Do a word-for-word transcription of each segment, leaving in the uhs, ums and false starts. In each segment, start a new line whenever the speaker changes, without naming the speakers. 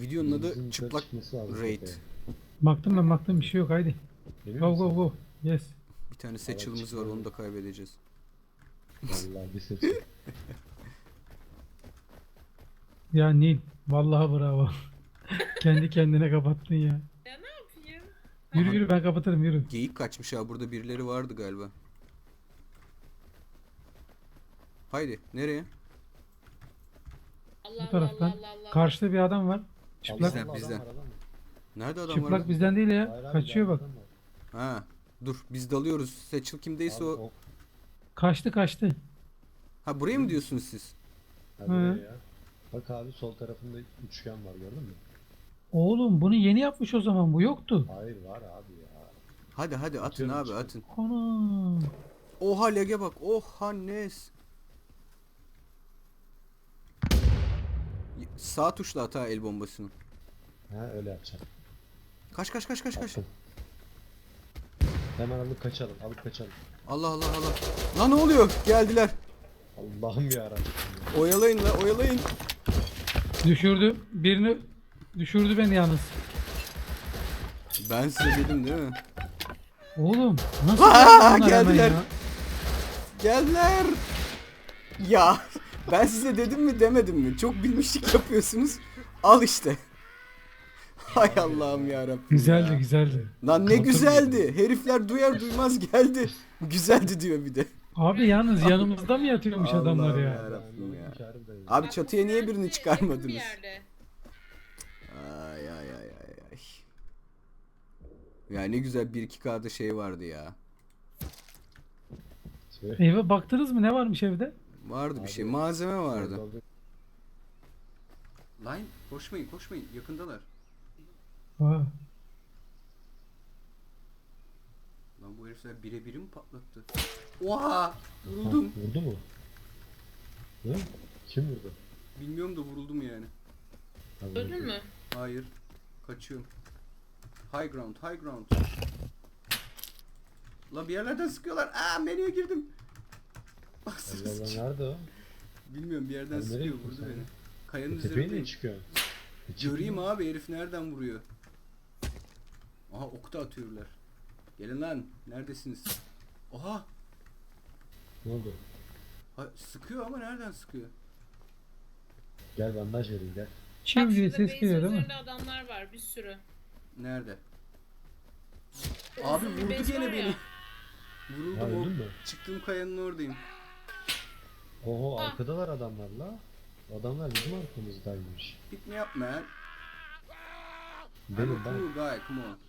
Videonun adı
Bizim
çıplak
çıkması lazım
raid.
tepeye.
Baktım ben baktım bir şey yok haydi.
Emin
Go
misin?
go go. Yes.
Bir tane seçilimiz var, onu da kaybedeceğiz.
Vallahi bir seçim.
Ya Nil. Vallahi bravo. Kendi kendine kapattın ya.
Ya ne yapayım?
Yürü
Aha.
yürü ben kapatırım yürü.
Geyik kaçmış ha, burada birileri vardı galiba. Haydi nereye?
Allah
Bu
Allah
taraftan.
Allah Allah Allah.
Karşıda bir adam var. Çıplak.
Bizden,
Allah,
bizden.
adam var, adam var.
Nerede adam
Çıplak
var?
bizden değil
Hayır
ya.
abi,
Kaçıyor bak.
adam var.
Ha, dur biz dalıyoruz. Seçil kimdeyse
Abi,
o.
o-
Kaçtı kaçtı.
Ha, buraya mı diyorsunuz siz?
Ha,
Hı.
buraya ya. Bak abi sol tarafında üçgen var gördün mü?
Oğlum bunu yeni yapmış o zaman bu yoktu.
Hayır var abi ya.
Hadi hadi atın
Atıyorum,
abi,
çıkıyor.
atın.
Ana.
Oha lege bak. Oha Nes. Sağ tuşla at ha el bombasını.
Ha öyle yapacağım.
Kaç kaç kaç kaç kaç.
Attım. Hemen alıp kaçalım alıp kaçalım.
Allah Allah Allah. Lan ne oluyor? Geldiler.
Allah'ım yarabbim.
Oyalayın la, oyalayın.
Düşürdü. Birini düşürdü beni yalnız.
Ben size dedim değil mi?
Oğlum nasıl
Aa,
geldi bunlar hemen
geldiler.
ya?
Geldiler. Ya ben size dedim mi demedim mi? Çok bilmişlik yapıyorsunuz. Al işte. Hay Allah'ım yarabbim.
Güzeldi
ya.
güzeldi.
Lan ne
Kalkın
güzeldi. Herifler duyar duymaz geldi. Güzeldi diyor bir de.
Abi yalnız yanımızda mı yatıyormuş
Allah'ım
adamlar ya?
ya. Yarabbim ya.
Hünkârım da ya.
Abi
Bak,
çatıya niye
nerede?
birini
Yakın bir
çıkarmadınız?
yerde.
Ay ay ay ay ay. Ya ne güzel bir iki K'da şey vardı ya.
Şey,
Eve baktınız mı ne varmış evde?
Vardı bir
Abi,
şey. Malzeme vardı.
oldu.
Line koşmayın koşmayın. Yakındalar.
Aa,
Lan bu herifler birebiri mi patlattı? Oha!
Ha,
Vuruldum.
vurdu mu? Hı? Kim vurdu?
Bilmiyorum da vuruldum yani.
Ha, vurdu.
Öldün mü?
Hayır. Kaçıyorum. High ground, high ground. La bir yerlerden sıkıyorlar. Aa, menüye girdim.
Allah Allah nerede o?
Bilmiyorum, bir yerden
Abi nereye
sıkıyor,
gittin
vurdu
sen?
beni. Kayanın
E, tepeye
üzerindeyim.
niye çıkıyor?
Göreyim abi herif nereden vuruyor. Aha, ok da atıyorlar. Gelin lan, neredesiniz? Oha!
Ne oldu?
Ha, sıkıyor ama nereden sıkıyor?
Gel bandaj vereyim gel.
çiv
Bak
diye
şurada
ses
base
geliyor değil mi?
üzerinde adamlar var bir sürü.
Nerede? Abi
Uzun bir
vurdu
base
gene
var ya.
beni.
Ha
Vuruldum o.
öldün mü?
Çıktığım kayanın oradayım.
Oho
Ha.
arkadalar adamlar la. Adamlar bizim arkamızdaymış.
Pick me up man. I'm
Benim
a
ben.
cool guy, come on.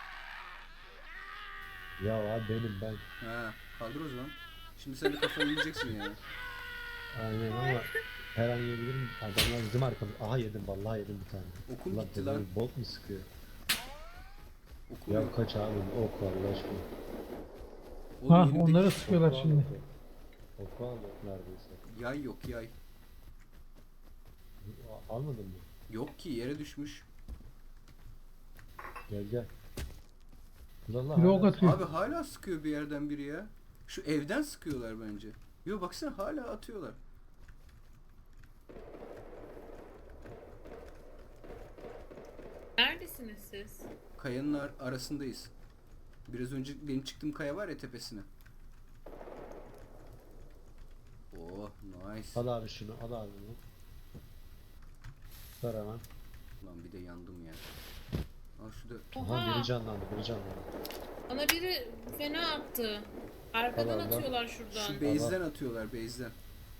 Ya abi benim ben.
Ha, kaldır o zaman. Şimdi sen de kafayı yiyeceksin yani.
Aynen ama her an yiyebilirim. Adamlar bizim arkamızda. Aha yedim vallahi yedim bir tane.
Okum
Ulan
gitti
bunlar
lan.
bolt mu sıkıyor?
Okum
Ya
yok.
kaç abi ok Allah aşkına.
Oğlum
Ha
elimdeki
onları sıkıyorlar
Oku al
şimdi.
oku. Oku al ok neredeyse.
Yay yok yay.
A- Almadın mı?
Yok ki, yere düşmüş.
Gel gel. Ulan
Bir de ok
hala-
atıyor.
Abi hala sıkıyor bir yerden biri ya. Şu evden sıkıyorlar bence. Yo baksana hala atıyorlar.
Neredesiniz siz?
Kayanın ar- arasındayız. Biraz önce benim çıktığım kaya var ya, tepesine. Oh nice.
Al abi şunu al abi bunu. Ver hemen.
Lan bir de yandım ya. Al şu da.
Aha
Oha!
biri canlandı biri canlandı.
Bana biri fena attı. Arkadan
Allah Allah.
atıyorlar şuradan.
Şu base'den atıyorlar, base'den.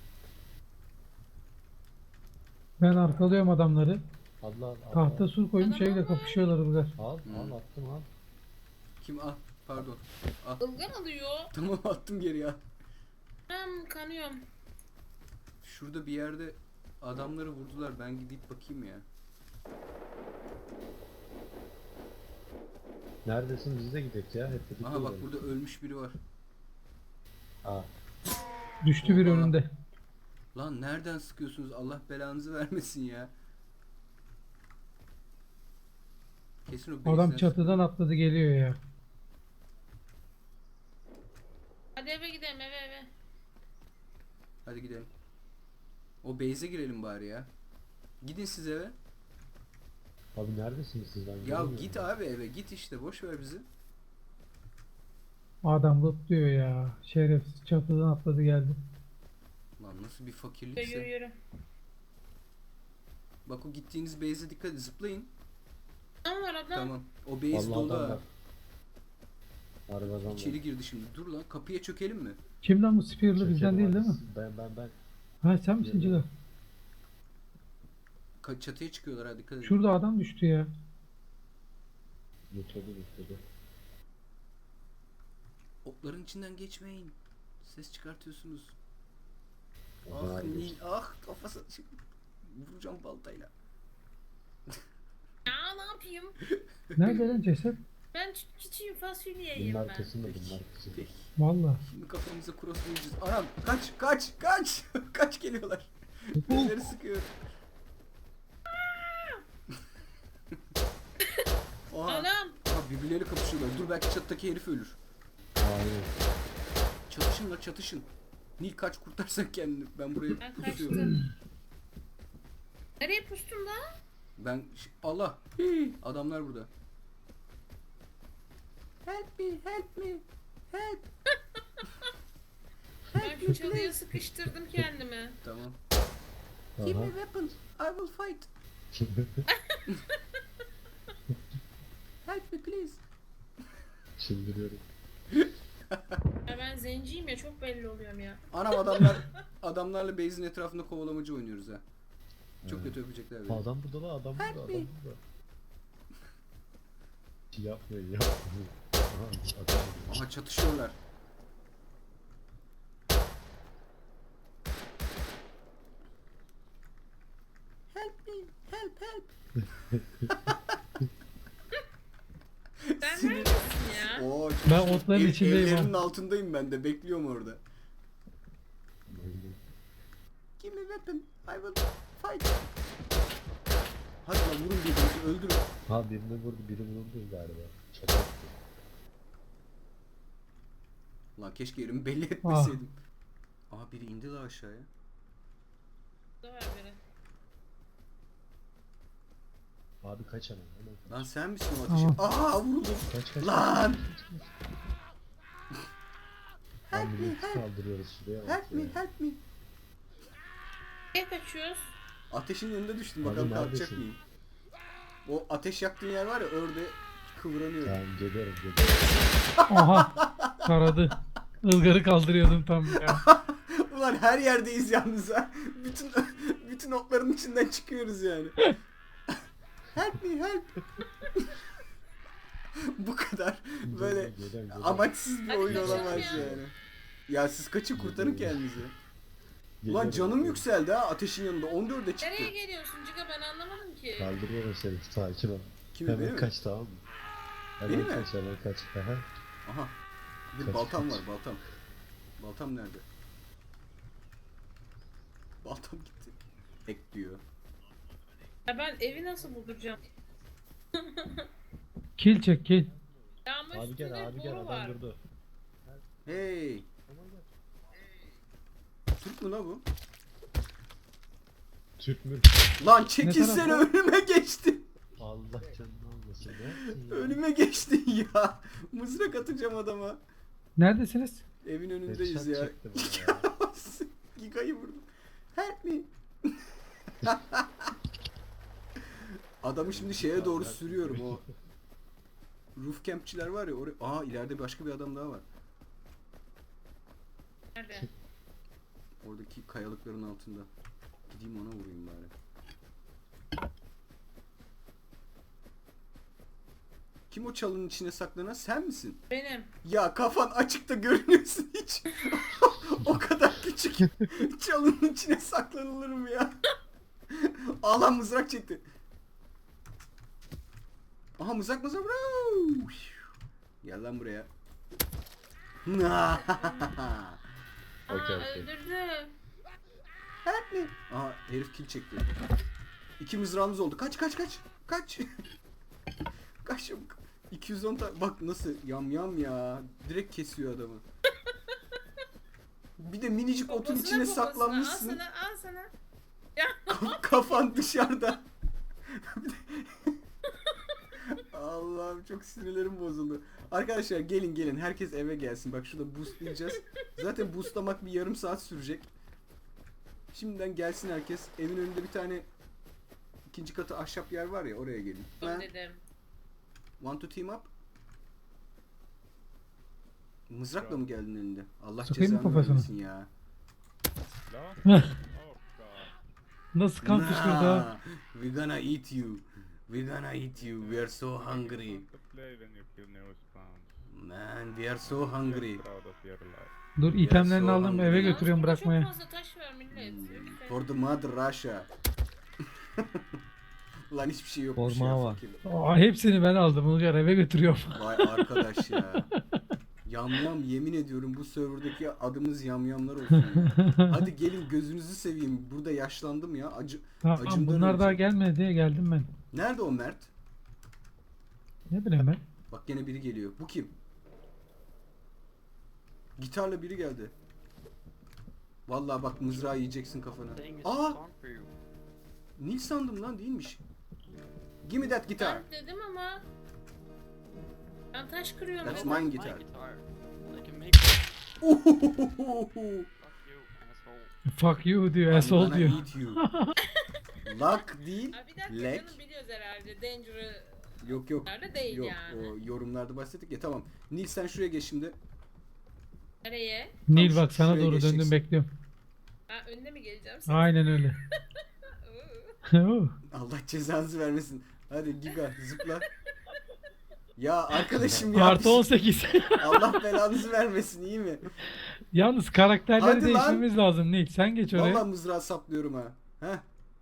Ben arkalıyorum adamları.
Al al al.
Tahta sur koymuş
Adam
şeyle
ama-
kapışıyorlar burada.
Al
Hmm.
al attım al.
Kim? Ah pardon. Ah
Ilgan alıyor.
tamam, attım geri ya.
Ben kanıyorum.
Şurada bir yerde adamları vurdular. Ben gidip bakayım ya.
Neredesin biz de gidelim ya hep birlikte
Aha bak,
gidelim.
burada ölmüş biri var.
Aa,
Düştü bir
Oha.
önünde.
Lan nereden sıkıyorsunuz? Allah belanızı vermesin ya. Kesin o
Adam
base'den
çatıdan atladı geliyor ya.
Hadi eve gidelim eve eve.
Hadi gidelim. O base'e girelim bari ya. Gidin siz eve.
Abi neredesiniz siz? Ben
Ya
göremiyorum.
git abi eve git işte boş ver bizi.
Adam lootluyor ya. Şerefsiz çatıdan atladı geldi.
Lan nasıl bir
Yürü
fakirlikse.
yürü.
Bak o gittiğiniz base'e dikkat edin zıplayın.
Adam var adam.
Tamam. O base
Vallahi
dolu
adam
ha.
var. Harbi adam var.
İçeri girdi şimdi. Dur lan kapıya çökelim mi?
Kim lan bu Spear'lı
Çekelim
bizden değil
abi.
değil mi?
Ben ben ben.
Ha sen misin
Yok,
Ciga?
yok.
Ka- çatıya çıkıyorlar ha dikkat edin.
Şurada adam düştü ya.
Yuturdu yuturdu.
Otların içinden geçmeyin. Ses çıkartıyorsunuz.
Aha,
Ah
geçti.
Nil ah kafası. Vuracağım baltayla.
Ya ne yapayım?
Nerede lan ceset?
Ben ç- çiçeğim fasulyeyim
Bunun
ben.
arkasında bunun arkasında.
Peki.
Valla.
Şimdi kafamıza crosslayacağız. Anam kaç kaç kaç. Kaç geliyorlar. Birileri sıkıyor. Oha.
Anam.
Aha birbirleriyle kapışıyorlar. Dur belki çattaki herif ölür.
Hayır.
Çatışın la çatışın. Nil kaç kurtarsan kendini. Ben buraya
Ben
pusuyorum.
kaçtım. Nereye pustun da?
Ben ş- Allah. Hii, adamlar burada. Help me, help me. Help.
Ben şu çalıya sıkıştırdım kendimi.
Tamam. Give
Aha.
me weapons. I will fight. Help me please.
Çıldırıyorum.
Ya ben zenciyim ya çok belli oluyorum ya.
Anam adamlar adamlarla base'in etrafında kovalamacı oynuyoruz ha. Çok
Evet.
kötü öpecekler beni.
Adam burada la adam burada
Help
adam
me.
burada. Şey yapmayın yapmayın. Aha adam burada.
Aha çatışıyorlar. Help me, help help.
Sen
Sinir-
neredesin ya?
Oo,
Ben otların içindeyim ha.
Evlerinin altındayım ben de bekliyorum orada. Give me weapon. I will fight. Hadi lan vurun birbirinizi öldürün.
Ha birini vurdu biri vuruldu galiba. Çok kötü.
Lan keşke yerimi belli etmeseydim. Aa biri indi la aşağıya.
Burada var biri.
Abi kaç hemen hemen kaç.
Lan sen misin o ateşi? Aa vuruldum.
Kaç kaç.
Lan!
Lan
Help me
milleti
help.
kaldırıyoruz şuraya bak
Help me
ya.
help me.
Nereye kaçıyoruz?
Ateşin önünde düştüm
Abi
bakalım kalkacak
neredesin?
mıyım? O ateş yaktığın yer var ya orada kıvranıyorum.
Tamam geliyorum geliyorum.
Aha. Taradı. Ilgarı kaldırıyordum tam ya.
Ulan her yerdeyiz yalnız ha. Bütün bütün otların içinden çıkıyoruz yani. Help me help. Bu kadar böyle
Geliyorum, geliyorum, geliyorum.
amaçsız bir
Hadi
oyun
kaçalım
olamaz
ya.
yani. Ya siz kaçın kurtarın kendinizi. Ulan
Geliyorum,
canım
geliyorum.
yükseldi ha ateşin yanında on dörde çıktı.
Nereye geliyorsun Ciga ben anlamadım ki.
Kaldırıyorum seni sakin ol.
Kimi beni
Hemen
mi?
kaç tamam mı? Hemen
Beni mi?
kaç hemen kaç. Aha.
Aha. Bir
Kaç,
baltam
kaç.
var baltam. Baltam nerede? Baltam gitti. Ek diyor.
Ya ben evi nasıl bulduracağım?
Kill çek kill.
Ya ama
Abi gel
üstünde
abi gel
boru
adam
var.
durdu.
Hey.
Aman gel.
Türk mü la bu?
Türk mü?
Lan çekilsene
tarafta?
önüme geçti.
Allah canını almasın. Ne yaptın ya?
Önüme geçti ya. Mızrak atacağım adama.
Neredesiniz?
Evin önündeyiz
Headshot
ya.
çekti bana ya.
Giga'yı vurdum. Help me. Adamı şimdi şeye doğru sürüyorum o. Roof campçiler var ya oraya. Aa ileride başka bir adam daha var.
Nerede?
Oradaki kayalıkların altında. Gideyim ona vurayım bari. Kim o çalının içine saklanan sen misin?
Benim.
Ya kafan açıkta görünüyorsun hiç. O kadar küçük. Çalının içine saklanılır mı ya? Ağlan mızrak çekti. Aha mızrak mızrak. Bravo. Gel lan buraya.
Aa
Okey, okey.
öldürdü.
Help me. Aha herif kill çekti. İki mızrağımız oldu. Kaç kaç kaç. Kaç. Kaç çabuk. iki yüz on tane. Bak nasıl yam yam ya. Direkt kesiyor adamı. Bir de minicik otun
Poposuna,
içine
poposuna.
saklanmışsın.
Al sana al sana.
Kaf- Kafan dışarıda. Bir de Allah'ım çok sinirlerim bozuldu. Arkadaşlar gelin gelin herkes eve gelsin. Bak şurada boostlayacağız. Zaten boostlamak bir yarım saat sürecek. Şimdiden gelsin herkes. Evin önünde bir tane ikinci katı ahşap yer var ya, oraya gelin.
Dur dedim.
Want to team up? Mızrakla mı geldin önünde? Allah
Sokayım mı
cezanı
kafasına?
vermesin ya.
No? Oh god.
Nasıl kan fışkırdı ha?
Nah, we gonna eat you. We gonna eat you. We are so hungry.
To play when you kill new spawns.
Man, we are so hungry.
Get proud of your life.
Dur itemlerini
so
aldım eve
hungry.
götürüyorum
Yalnız burada
bırakmaya.
Çok fazla taş var millet. Lütfen.
For the mother Russia. Lan hiçbir şey yokmuş
Forma
ya.
var.
fakir.
Aa, hepsini ben aldım Ulgar eve götürüyorum.
Vay arkadaş ya. Yamyam, yemin ediyorum bu serverdaki adımız yamyamlar olsun ya. Hadi gelin gözünüzü seveyim. Burada yaşlandım ya. Acı.
Tamam
Acımdan
bunlar daha
öleceğim.
gelmedi diye geldim ben.
Nerede o Mert?
Ne bileyim ben.
Bak gene biri geliyor. Bu kim? Gitarla biri geldi. Vallahi bak mızrağı yiyeceksin kafana. Aa! Nil sandım lan, değilmiş. Give me that guitar.
Ben dedim ama ben taş kırıyorum.
That's
dedim.
mine guitar.
I can make
Ohohoho.
fuck you, asshole.
Fuck you diyor
I'm
asshole
gonna
diyor.
eat you. Luck değil.
Aa, bir dakika
Lek.
canım biliyoruz herhalde. Danger'ı
Yok yok.
nerede değil
Yok
yani.
o yorumlarda bahsettik ya, tamam. Nil sen şuraya geç şimdi.
Nereye?
Nil
Tamam,
bak sana
şuraya
doğru
geçeceksin.
döndüm bekliyorum.
Ha önüne mi geleceğim? Sen?
Aynen öyle. Oo.
Allah cezanızı vermesin. Hadi Giga zıpla. Ya arkadaşım ya.
Artı on sekiz.
Allah belanızı vermesin, iyi mi?
Yalnız karakterleri
Hadi lan.
değiştirmemiz lazım Nil. Sen geç oraya.
Vallahi mızrağı saplıyorum ha. Heh.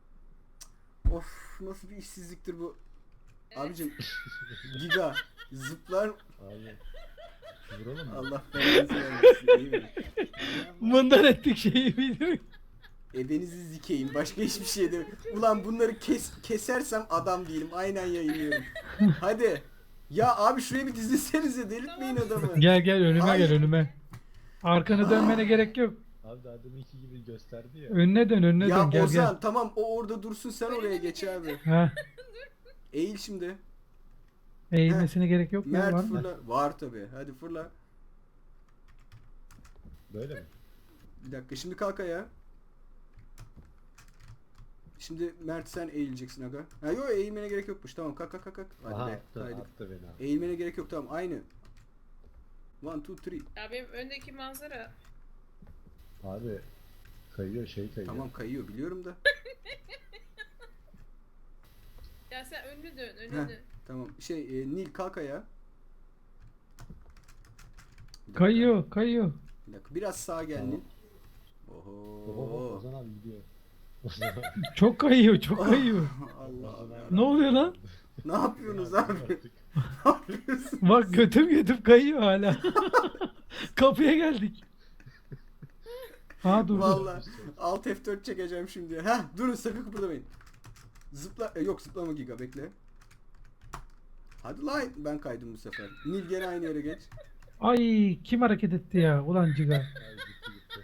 Of nasıl bir işsizliktir bu. Abicim Giga zıplar,
Abi. Vuralım mı?
Allah belanızı vermesin, iyi mi?
Bundan ettik şeyi biliyorum.
Ebenizi zikeyim, başka hiçbir şey de. Ulan bunları kes, kesersem adam değilim, aynen yayınlıyorum. Hadi. Ya abi şuraya bir dizilsenize, delirtmeyin adamı.
Gel gel önüme
Ay.
gel önüme. Arkanı dönmene gerek yok.
Abi daha deminki gibi gösterdi ya.
Önüne dön önüne
Ya
dön gel
Ozan
gel.
tamam, o orada dursun, sen oraya geç abi.
Ha,
Eğil şimdi.
eğilmesine gerek yok mu? Var
Mert
mı?
fırla. Var tabi. Hadi fırla.
Böyle mi?
Bir dakika şimdi kalk ayağa. Şimdi Mert sen eğileceksin aga. Ha yok, eğilmene gerek yokmuş. Tamam kalk kalk kalk. kalk. Hadi
Aha
be.
attı,
Haydi.
attı beni abi.
Eğilmene gerek yok, tamam aynı. One, two, three.
Ya benim öndeki manzara.
Abi kayıyor şey kayıyor.
Tamam kayıyor biliyorum da.
Ya sen önünü dön, önünü
Heh.
dön.
Tamam şey e, Nil kalk ayağa. Bir dakika,
Kayıyor kayıyor.
Bir dakika biraz sağa gel
Tamam.
Nil.
Oho,
Oho.
Ozan abi gidiyor. Ozan abi.
Çok kayıyor çok kayıyor.
Allah Allah.
Ne oluyor lan?
Ne yapıyorsunuz abi?
Artık.
Ne yapıyorsunuz?
Bak götüm götüm kayıyor hala. Kapıya geldik. Ha dur dur.
Vallahi Alt F dört çekeceğim şimdi. Heh durun sakın kıpırdamayın. Zıpla e, yok zıplama Giga, bekle. Hadi lan, ben kaydım bu sefer. Nil gene aynı yere geç.
Ay kim hareket etti ya? Ulan ciga.
Abi gitti gitti.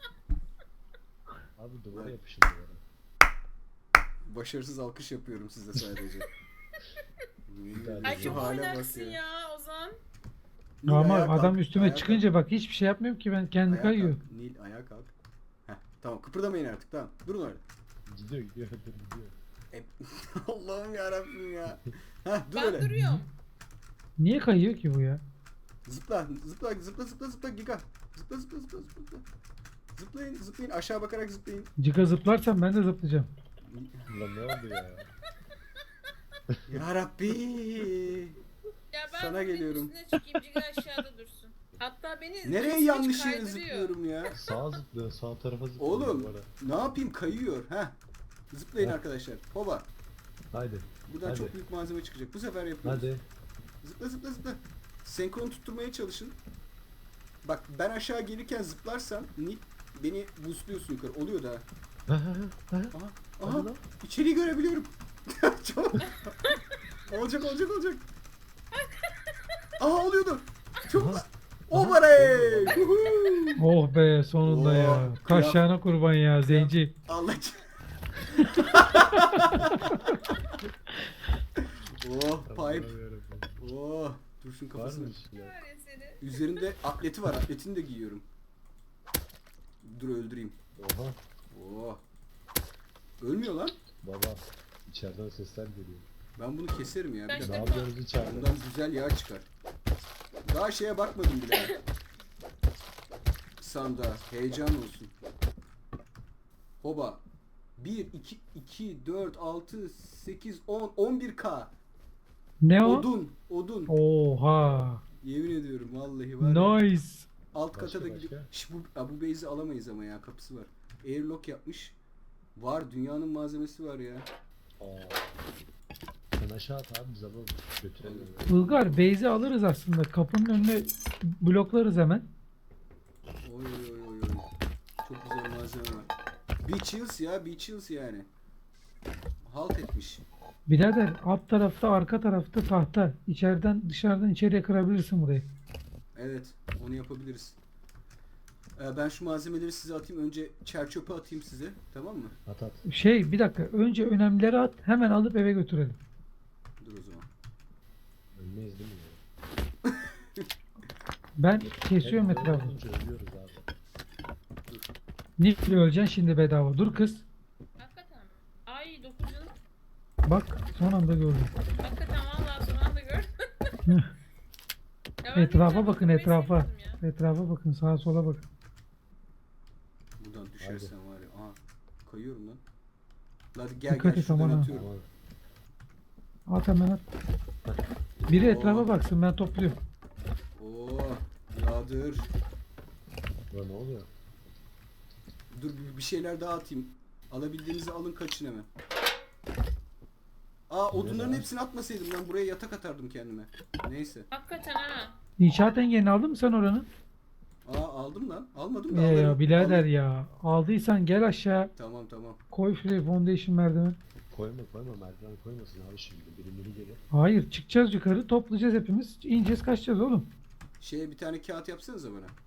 Abi duvara yapışın duvara.
Başarısız alkış yapıyorum size sadece.
tane
Ay
Şu
çok
hale bak
oynaksın
ya.
ya Ozan.
Nil,
Ama
ayağa
adam
kalk,
üstüme
ayağa
çıkınca bak hiçbir şey yapmıyorum ki ben
kalk,
kendi
ayağa
kayıyor.
kalk. Nil ayağa kalk. Heh, tamam kıpırdamayın artık, tamam. Durun öyle.
Gidiyor gidiyor dur gidiyor.
E, Allah'ım yarabbim ya. Heh dur
Ben
öyle.
duruyorum.
Niye kayıyor ki bu ya?
Zıpla zıpla zıpla zıpla zıpla Giga. Zıpla zıpla zıpla zıpla. Zıplayın zıplayın, aşağı bakarak zıplayın.
Ciga zıplarsam ben de zıplayacağım.
Ulan ne oldu ya?
Ya Rabbi.
Ya ben
Sana
Sana
geliyorum.
üstüne çıkayım, Ciga aşağıda dursun. Hatta beni
Nereye
hiç
yanlış yere
kaydırıyor.
zıplıyorum ya?
Sağa zıplıyor sağ tarafa zıplıyor
Oğlum
duvara.
ne yapayım, kayıyor. Heh. Zıplayın
Heh.
arkadaşlar. Hoba.
Haydi.
Buradan
Hadi.
çok büyük malzeme çıkacak. Bu sefer yapıyoruz.
Hadi.
Zıpla zıpla zıpla. Senkron tutturmaya çalışın. Bak ben aşağı gelirken zıplarsam Nil beni boostluyorsun yukarı. Oluyor da.
Ha, ha, ha, ha.
Aha.
Hadi
Aha.
lan.
İçeriği görebiliyorum. Çabuk. olacak olacak olacak. Aha oluyordu. Çok.
Aha.
O var ey.
Oh be sonunda
Oh,
ya.
kıyam-
Kaşağına kurban ya zenci.
Allah. oh pipe.
Allah'ım yarabbim.
Oh, Dursun
Var
kafasını.
mı içinde?
Var ya seni.
Üzerinde atleti var. Atletini de giyiyorum. Dur öldüreyim.
Oha.
Oh. Ölmüyor lan.
Baba. İçeriden sesler geliyor.
Ben bunu keserim ya. Bir
Kaç
Ne
dakika.
defa-
yapıyorsunuz içeride?
Bundan güzel yağ çıkar. Daha şeye bakmadım bile. Sandığa. Heyecan olsun. Hoba. bir, iki, iki, dört, altı, sekiz, on, on bir K.
Ne o?
Odun. Odun.
Oha.
Yemin ediyorum vallahi var ya.
Nice.
Alt
Başka,
kata da
başka?
gidiyor. Şş, bu, ha, bu base'i alamayız ama ya, kapısı var. Airlock yapmış. Var, dünyanın malzemesi var ya.
Aa. Sen aşağı at abi biz alalım. Götürelim.
Ilgar base'i alırız aslında. Kapının önüne bloklarız hemen.
Oy oy oy oy oy. Çok güzel malzeme var. Beach Hills ya, Beach Hills yani. Halt etmiş.
Birader alt tarafta arka tarafta tahta. İçeriden dışarıdan içeriye kırabilirsin burayı.
Evet, onu yapabiliriz. Ee, ben şu malzemeleri size atayım. Önce çerçöpe atayım size. Tamam mı?
At at.
Şey bir dakika önce önemlileri at hemen alıp eve götürelim.
Dur o zaman.
Ölmeyiz değil mi ya?
Ben kesiyorum
Hep böyle
etrafı.
olunca ölüyoruz abi.
Nifli öleceksin şimdi bedava. Dur kız.
Hakikaten mi? Ay dokuz yıl.
Bak son anda gördüm.
Hakikaten vallahi son anda gördüm. Ya ben
Etrafa
bir
bakın,
tane
etrafa.
besledim ya.
Etrafa bakın sağa sola bakın.
Buradan düşersen var ya. Aha, kayıyorum lan. Hadi gel
Dikkat
gel
et
şuradan
aman ha.
atıyorum.
Aman.
At hemen at. Biri
Oo.
etrafa baksın ben topluyorum.
Oo, yağdır.
Ulan ne oluyor?
Dur bir- bir şeyler daha atayım. Alabildiğinizi alın, kaçın hemen. Aa, odunların
daha?
hepsini atmasaydım ben buraya yatak atardım kendime. Neyse.
Hakikaten ha.
İnşaat engelini aldın mı sen oranı?
Aa, aldım lan. Almadım da
Ee,
alırım.
ya birader
Alırım.
ya. Aldıysan gel aşağı.
Tamam tamam.
Koy şuraya foundation merdiven.
Koyma koyma merdiven koymasın abi şimdi. Birileri gelir.
Hayır çıkacağız yukarı toplayacağız hepimiz. İneceğiz kaçacağız oğlum.
Şeye bir tane kağıt yapsanıza bana.